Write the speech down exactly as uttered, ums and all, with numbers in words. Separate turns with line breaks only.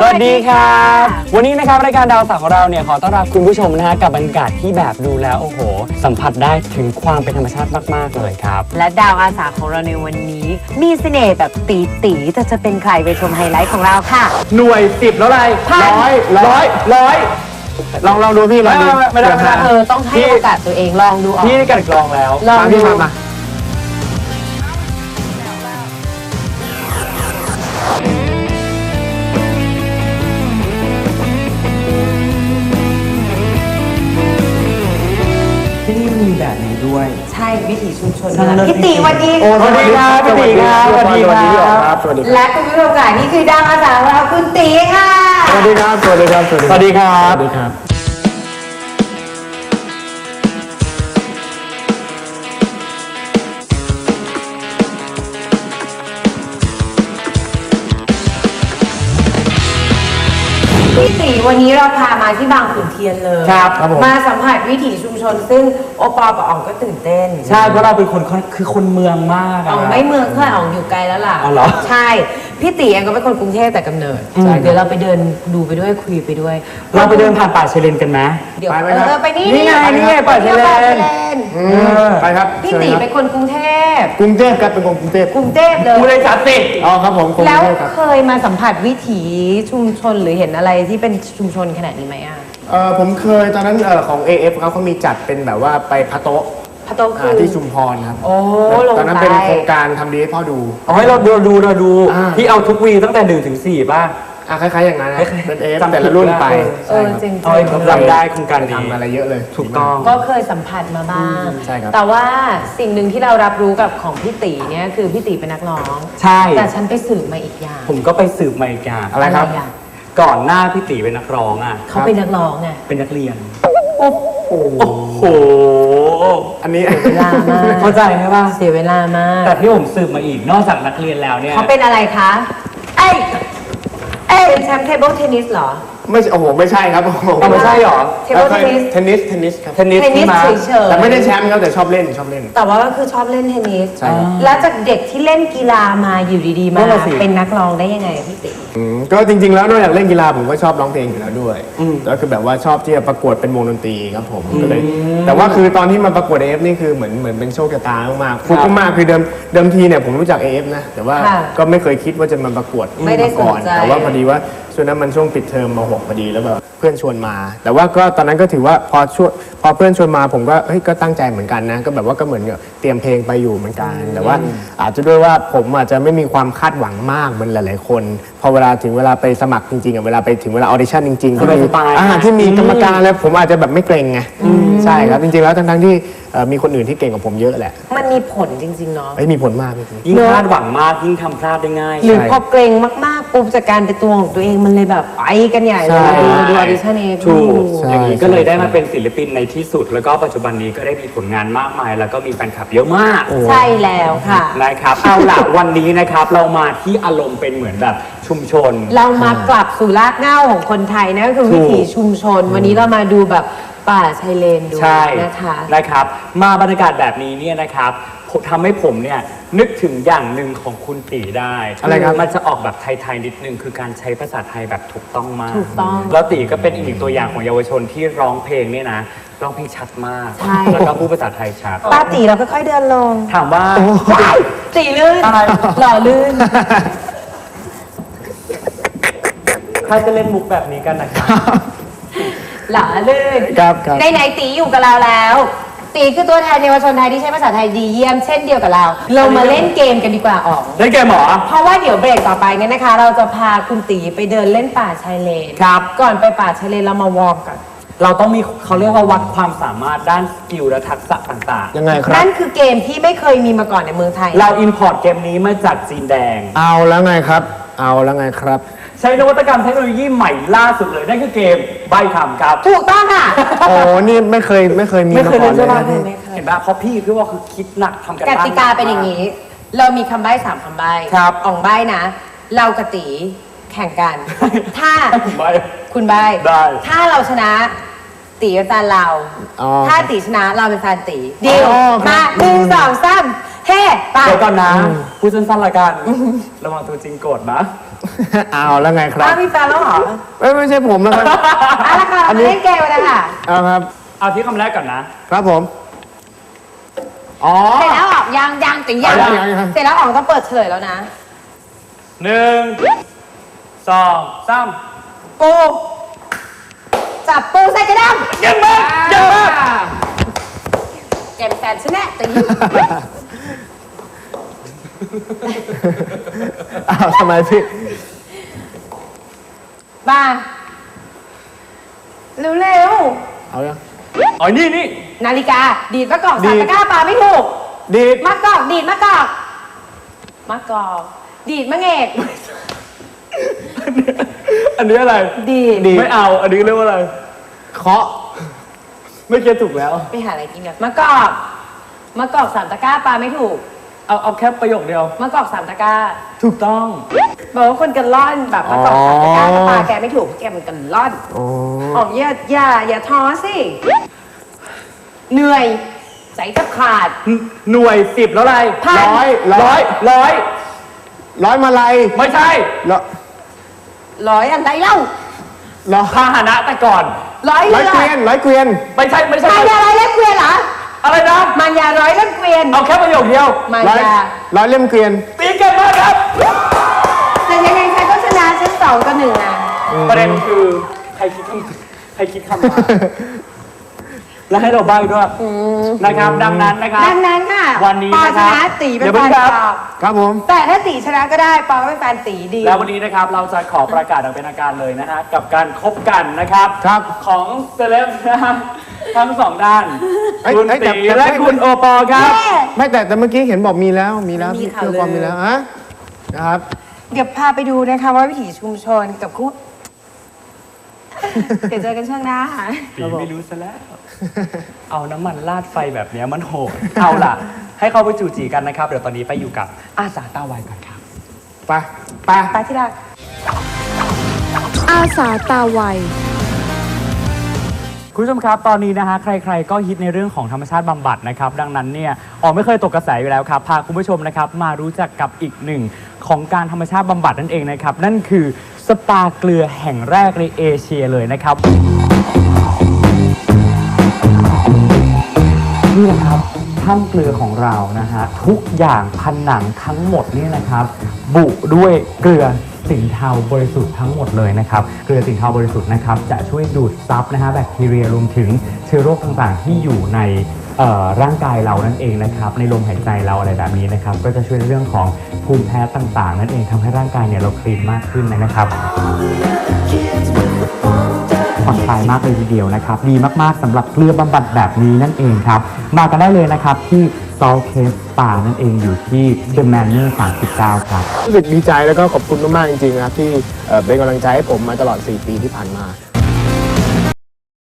สวัสดีครับวันนี้นะครับรายการดาวสาวของเราเนี่ยขอต้อนรับคุณผู้ชมนะฮะกับบรรยากาศที่แบบดูแล้วโอ้โหสัมผัสได้ถึงความเป็นธรรมชาติมากๆเลยครับ
และดาวอาสาของเราในวันนี้มีเสน่ห์แบบตีตีแต่จะเป็นใครไปชมไฮไลท์ของเราค่ะ
หน่วยสิบแล้วอะไรร้อยร้อยร้อยลองลองดูพี่ลองดู
ไม่ได้ไม่ได้เออต้องให้โอกาสตัวเองลองดูออก
พี่กันกลองแล้ว
ลองดู
มาที่นี่มีแบบนี้ด้วย
ใช่วิถีชุมชนพี่ตีวันนี้
สวัสดีครับพี่ตีครับสวัสดีครับสวัสดี
และคุณผู้ชมค่ะนี่คือดาวอาสาของเราคุณตีค่ะ
สวัสดีครับสวัสดีครับสวัสดีครับสวัสดีครับ
พี่ตีวันนี้เราพามาที่บางขุนเทียนเลย
ครับครับผม
มาสัมผัสวิถีชุมชนซึ่งโอปอกับอ๋องก็ตื่นเต้น
ใช่เพราะเราเป็นคนคือคนเมืองมาก
อ๋องไม่เมืองเท่าอ๋องอยู่ไกลแล้วล่ะ
อ๋อเหรอ
ใช่พี่ตีเองก็เป็นคนกรุงเทพแต่กำเนิดเดี๋ยวเราไปเดินดูไปด้วยคุยไปด้วย
เราไปเดินผ่านป่าเชเลนกันไหม
เดี๋ยวเออไปนี่
นี่ไงนี่ไงป่าเชเลนไปครับ
พี่ตีเป็นคนกรุงเทพ
กรุงเทพครับเป็นคนกรุงเทพ
กรุงเทพเลย
กูเลยจัดติ
อ๋อครับผม
แล้วเคยมาสัมผัสวิถีชุมชนหรือเห็นอะไรที่เป็นชุมชนขนาดนี้ไหมอ่ะ
เออผมเคยตอนนั้นเออของ เอ เอฟ เขาเขามีจัดเป็นแบบว่าไปพะโต๊ะ
พะโต๊ะคือ
ที่ชุมพรครับ
โอ้
ตอนนั้นเป็นโครงการทำดีให้พ่อดู
เอาให้เราดูดูเราดูที่เอาทุกวีตั้งแต่หนึ่งถึงสี่ป่ะ
อ่ะคล้ายๆอย่างนั้นเป็นเอฟแต่ละรุ่นไป
เออจริงๆ
เอาจำได้โครงการ
ทำอะไรเยอะเลย
ถูกต้อง
ก็เคยสัมผัสมาบ้าง
ใช่ครับ
แต่ว่าสิ่งหนึ่งที่เรารับรู้กับของพี่ตีเนี่ยคือพี่ตีเป็นนักร้อง
ใช่
แต่ฉันไปสืบมาอีกอย่าง
ผมก็ไปสืบมาอีกอย่าง
อะไรครับ
ก่อนหน้าพี่ตีเป็นนักร้องอ่ะ
เขาเป็นนักร้องไง
เป็นนักเรียน
โอ้
โห
อันนี้
เวลามาก
เข้าใจใช่ป่ะ
เสียเวลามาก
แต่ที่ผมสืบมาอีกนอกจากนักเรียนแล้วเนี่ย
เขาเป็นอะไรคะเอ้ยเอ้ยเป็นแชมป์เทเบิลเทนนิสเหรอ
ไม่โอ้โหไม่ใช่ครับ
ไม่ใช่หรอ
เทเบิลเทนนิส
เทนนิสเทนนิสครับ
เทนนิส
เฉยๆ
แต่ไม่ได้แชมป์ครับแต่ชอบเล่นชอบเล่น
แต่ว่าก็คือชอบเล่นเทนนิส
ใช่
แล้วจากเด็กที่เล่นกีฬามาอยู่ดีๆมาเป็นนักร้องได้ยังไงพี่ติ๋
มก็จริงๆแล้วนอกจากเล่นกีฬาผมก็ชอบร้องเพลงอยู่แล้วด้วยก็คือแบบว่าชอบที่จะประกวดเป็นวงดนตรีครับผมก็เลยแต่ว่าคือตอนที่มาประกวด เอ เอฟ นี่คือเหมือนเหมือนเป็นโชคชะตามากๆฟุกมากคือเดิมเดิมทีเนี่ยผมรู้จัก เอ เอฟ นะแต่ว่าก็ไม่เคยคิดว่าจะมาประกวด
มา
ก่อนแต่ว่าพอดีว่าช่วงนั้นมันช่วงปิดเทอมม หก พอดีแล้วแบบเพื่อนชวนมา แต่ว่าก็ตอนนั้นก็ถือว่าพอช่วงพอเพื่อนชวนมาผมก็เฮ้ยก็ตั้งใจเหมือนกันนะก็แบบว่าก็เหมือนกับเตรียมเพลงไปอยู่เหมือนกันแต่ว่าอาจจะด้วยว่าผมอาจจะไม่มีความคาดหวังมากเหมือนหลายๆคนพอเวลาถึงเวลาไปสมัครจริงๆอ่ะเวลาไปถึงเวลาออดิชั่นจริงๆที่มีอ่าที่มีกรรมการแล้วผมอาจจะแบบไม่เกรงไงใช่ครับจริงๆแล้วทั้งๆที่มีคนอื่นที่เก่งกว่าผมเยอะแหละ
มันมีผลจริงๆเนาะ
ไม่มีผลมาก
ยิ่งคาดหวังมากยิ่งทำพลาดได้ง่าย
หรือพอเกรงมากๆปุ๊บจากการเป็นตัวของตัวเองมันเลยแบบไปกันใหญ่เลยดูออดิชั่นเอง
ถูกอย่างนี้ก็เลยได้มาเป็นศิลปินในที่สุดแล้วก็ปัจจุบันนี้ก็ได้มีผลงานมากมายแล้วก็มีแฟนคลับเยอะมาก
ใช่แล้วค่ะ
นะครับเอาล่ะวันนี้นะครับเรามาที่อารมณ์เป็นเหมือนแบบชุมชน
เรามากลับสู่รากเหง้าของคนไทยนะก็คือวิถีชุมชนวันนี้เรามาดูแบบป่าชายเลนดูนะคะ
นะครับมาบรรยากาศแบบนี้เนี่ยนะครับทำให้ผมเนี่ยนึกถึงอย่างหนึ่งของคุณตีได้
อะไรครับ
มันจะออกแบบไทยๆนิดนึงคือการใช้ภาษาไทยแบบถูกต้องมาก
ถูกต้อง
แล้วตีก็เป็นอีกหนึ่งตัวอย่างของเยาวชนที่ร้องเพลงเนี่ยนะร้องเพลงชัดมากแล้วก็พูดภาษาไทยชัด
ป้าตีเราค่อยๆเดินลง
ถามว่า
ตีลื่นหล่อลื่น
ใครจะเล่นมุกแบบนี้กันนะครับ
หล่อลื่นในไหนตีอยู่กับเราแล้วตีคือตัวแทนเยาวชนไทยที่ใช้ภาษาไทยดีเยี่ยมเช่นเดียวกับเราเรามาเล่นเกมกันดีกว่าออก
เล่นเกมหรอ
เพราะว่าเดี๋ยวเบรกต่อไปเนี่ยนะคะเราจะพาคุณตีไปเดินเล่นป่าชายเลน
ครับ
ก่อนไปป่าชายเลนเรามาวอร์มกัน
เราต้องมีเขาเรียกว่าวัดความสามารถด้านสกิลและทักษะต่าง
ๆยังไงครับ
นั่นคือเกมที่ไม่เคยมีมาก่อนในเมืองไทย
เราอินพอร์ตเกมนี้มาจากจีนแดง
เอาแล้วไงครับเอาแล้วไงครับ
ใช้นวัตกรรมเทคโนโลยีใหม่ล่าสุดเลยนั่นคือเกมใบ้คำครับ
ถูกต้องค่ะ
โอ้นี่ไม่เคยไม่เคยมี
มาก่อนเลยเห็นป่ะเพราะพี่คือว่าคือคิดหนักทำกัน
กติกาเป็นอย่างนี้เรามีคำใบ้สามคำใบ้
ครับ
อ่องใบ้นะเรากตีแข่งกันถ้า
ใบ้
คุณใบ้
ได้
ถ้าเราชนะตีเป็นแฟนเราถ้าตีชนะเราเป็นแฟนตีดีลมาหนึ่งสองสามเฮ้ไป
เดี๋ยวก่อนนะพูดสั้นๆละกันระวังตัวจริงโกรธนะ
เอาแล้วไงครับ
อ้าวมีแฟนแล้วเหรอ
เอ้ยไม่ใช่ผมนะครับ
เอาละค่ะเรามาเล่นเกมกันเลยค่ะ
เอาครับ
เอาที่คำแรกก่อนนะ
ครับผม อ๋อ
เสร็จแล้วออกยังยังแต่ยัง
ยังยังยัง
เสร็จแล้วออกต้องเปิดเฉลยแล้วนะ
หนึ่งสองสาม
ปูจับปูใส่กระดัง
เก่งมากเก่งมาก
เกมแฟนฉันแน่ตี
อ้าวทำไมพี่
มาเร็ว
เอายัง
อ๋อนี่นี่
ๆนาฬิกา ดีดมะกอก
ดี
สาม
ด
ตะกร้าปลาไม่ถูก
ดีด
มะกอกดีดมะกอกมะกอกดีดมะเงก
อันนี้อะไร
ดีด
ไม่เอา อันนี้เรียกว่าอะไร
เคาะ
ไม่เก็ตถูกแล้ว
ไปหาอะไรกินกันมะกอกมะกอกสามตะกร้าปลาไม่ถูก
เอาเอาแค่ประโยคเดียว
มะกอกสามตะกร้า
ถูกต้อง
บอกว่าคนกันล่อนแบบมะกอกสามตะกร้าแต่ปลาแกไม่ถูกแกมันกันล่อน
อ๋อ
ออกอย่าอย่าอย่าท้อสิ เหนื่อยใจจะขาด
หน่วยสิบแล้วอะไร
พัน
ร้อยร้
ร้
อ
อย ยร้อย
ร้อยมาลัย
ไม่ใช่
ร้อย
ร้อยอะไรเล่า
ร้อย
พาหนะแต่ก่อน
ร้อย
ร้อย
เรือ
เกวียนร้อยเกวียน
ไม่ใช่ไม่ใช่
มายาร้อยเล่มเกวียนเหรอ
อะไรนะ
มายาร้อยเล่มเกวียน
เอาแค่ประโยคเดียว
มา
ร้อย
ยา
ร้อยเล่มเกวียน
ตีเก่งมากครับ
แต่ยังไงใครก็ชนะชั้นสองกับหนึ่งอ่ะ
ประเด็นคือใครคิดคำใครคิดคำมา แล้วให้เราใบ้ด้วยนะครับ ดังนั้นนะครับ
ดังนั้นค่ะ
วันนี้
ปอ
นะ
ช
ครับ
นะตีเป็น
เดี๋ยว
แฟ
เพิ่
น
งครับ
ปอ
ครับผม
แต่ถ้าตีชนะก็ได้ปอก็เป็นแฟนตีดี
แล้ววันนี้นะครับเราจะขอประกาศอย่างเป็นทางการเลยนะฮะกับการคบกันนะครับ
ครับ
ของเซเลบนะฮะทั้งสองด้าน
เอ้ย
คุณ
เอ้ยแต่
ตี
แต่
และคุณโอปอล์ครับ
เย้
ไม่แต่แต่เมื่อกี้เห็นบอกมีแล้วมีแล้ว
มีข่าว
เพื่อความ
ลือ
มีแล้วฮะนะครับ
เดี๋ยวพาไปดูนะคะว่าวิถีชุมชนกับคู่ เดี๋ยวเจอกันช่วงหน้าค่ะ
ปีไม่รู้ซะแล้ว เอาน้ำมันราดไฟแบบเนี้ยมันโหด เอาล่ะ ให้เขาไปจูจีกันนะครับ เดี๋ยวตอนนี้ไปอยู่กับอาสาตาไวก่อนครับ
ไปไป
ไปที่รัก
อาสาตาไว
คุณผู้ชมครับ ตอนนี้นะฮะใครๆก็ฮิตในเรื่องของธรรมชาติบำบัดนะครับ ดังนั้นเนี่ยออกไม่เคยตกกระแสอยู่แล้วครับ พาคุณผู้ชมนะครับมารู้จักกับอีกหนึ่งของการธรรมชาติบำบัดนั่นเองนะครับ นั่นคือสปาเกลือแห่งแรกในเอเชียเลยนะครับ นี่นะครับถ้ำเกลือของเรานะฮะทุกอย่างผนังทั้งหมดนี่นะครับ บุด้วยเกลือสินเทาบริสุทธิ์ทั้งหมดเลยนะครับเกลือสินเทาบริสุทธิ์นะครับจะช่วยดูดซับนะฮะแบคทีเรียรวมถึงเชื้อโรคต่างๆ ที่อยู่ในเอ่อร่างกายเรานั่นเองนะครับในลมหายใจเราอะไรแบบนี้นะครับก็จะช่วยในเรื่องของภูมิแพ้ต่างๆ นั่นเองทำให้ร่างกายเนี่ยเราคลีนมากขึ้นนะครับ ผ่อนคลายมากเลยทีเดียวนะครับดีมากๆสำหรับเกลือบำบัดแบบนี้นั่นเองครับมากันได้เลยนะครับที่ Salt Cave Spa นั่นเองอยู่ที่ The Manor สามสิบเก้าครับ
รู้สึกดีใจแล้วก็ขอบคุณมากๆจริงๆนะครับที่เอ่อเป็นกำลังใจให้ผมมาตลอดสี่ปีที่ผ่านมา